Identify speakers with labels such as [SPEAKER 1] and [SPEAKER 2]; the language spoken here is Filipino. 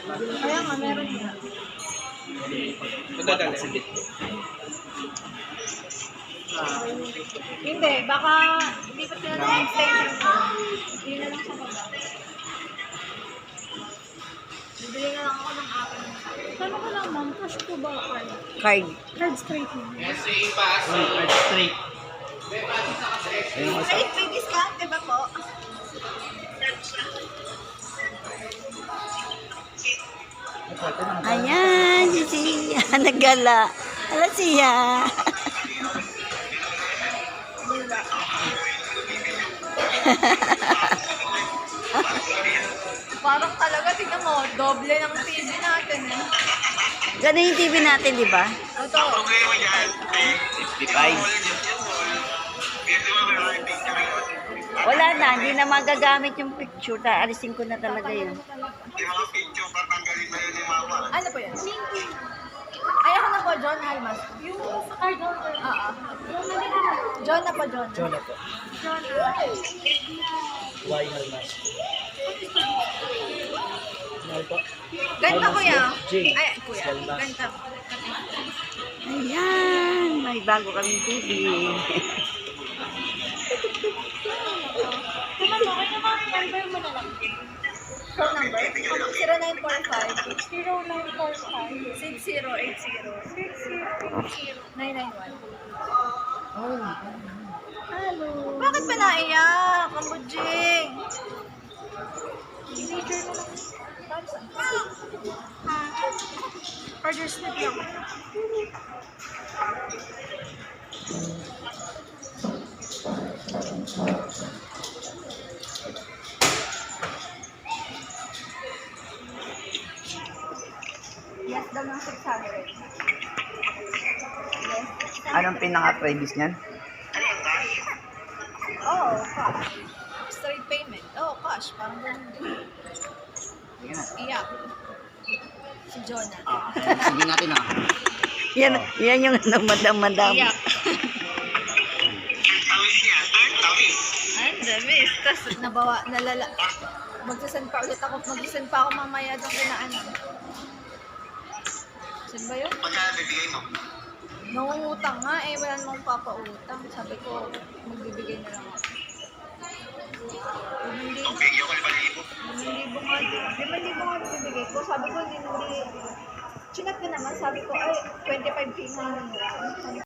[SPEAKER 1] Kaya nga, meron nga.
[SPEAKER 2] Madadali.
[SPEAKER 1] Hindi, baka hindi pa sila na-extension ko. Hindi na lang sa baba. Bibili na lang ako ng akin. Paano ka lang, ma'am? Cash po ba card?
[SPEAKER 3] Card.
[SPEAKER 1] Card straight mo.
[SPEAKER 2] Straight.
[SPEAKER 1] Straight, may discount, diba po?
[SPEAKER 3] Ayan, si Sia. Nagala. Ala siya.
[SPEAKER 1] Parang talaga, tingnan mo, doble ng TV natin eh.
[SPEAKER 3] Ganun yung TV natin, di ba?
[SPEAKER 1] Ito.
[SPEAKER 2] 55.
[SPEAKER 3] Wala na, hindi na magagamit yung picture. Alisin ko na talaga yun.
[SPEAKER 1] Ano po yan? Ay, ako na po, John Almas. Yung sa card holder. Oo. John na po, John.
[SPEAKER 2] John na po.
[SPEAKER 1] John.
[SPEAKER 2] Why Halmas? Mahal po.
[SPEAKER 1] Ganda kuya.
[SPEAKER 2] J.
[SPEAKER 1] Ay, kuya.
[SPEAKER 2] Almas.
[SPEAKER 1] Ganda.
[SPEAKER 3] Ayan, may bago kaming TV.
[SPEAKER 1] Naman mo, kaya naman, number mo na lang. Phone number? 0945 0945 6080 Hello. Bakit ba naiyak? Kambudjing. Signature mo lang. Order slip lang. Yes daw ng 600. Yes.
[SPEAKER 3] Anong pinaka-previous niyan?
[SPEAKER 1] Oh, cash. Straight payment. Oh, cash. Parang ganun din. Iyak. Si Jonah.
[SPEAKER 2] Sige natin ah.
[SPEAKER 3] Yan yung ano, madam.
[SPEAKER 1] Iyak. Ay, damis. Tapos nalala. Magsasend pa ulit ako. Magsasend pa ako mamaya doon kina ano. Saan ba yun?
[SPEAKER 4] Magkano bibigay mo?
[SPEAKER 1] Nangungutang nga eh. Wala namang papautang. Sabi ko, magbibigay na lang ako.
[SPEAKER 4] Okay, yung 5,000.
[SPEAKER 1] 5,000 nga din. 5,000 nga bibigay ko. Sabi ko, hindi. Chinat ko naman. Sabi ko, ay, 25K na lang.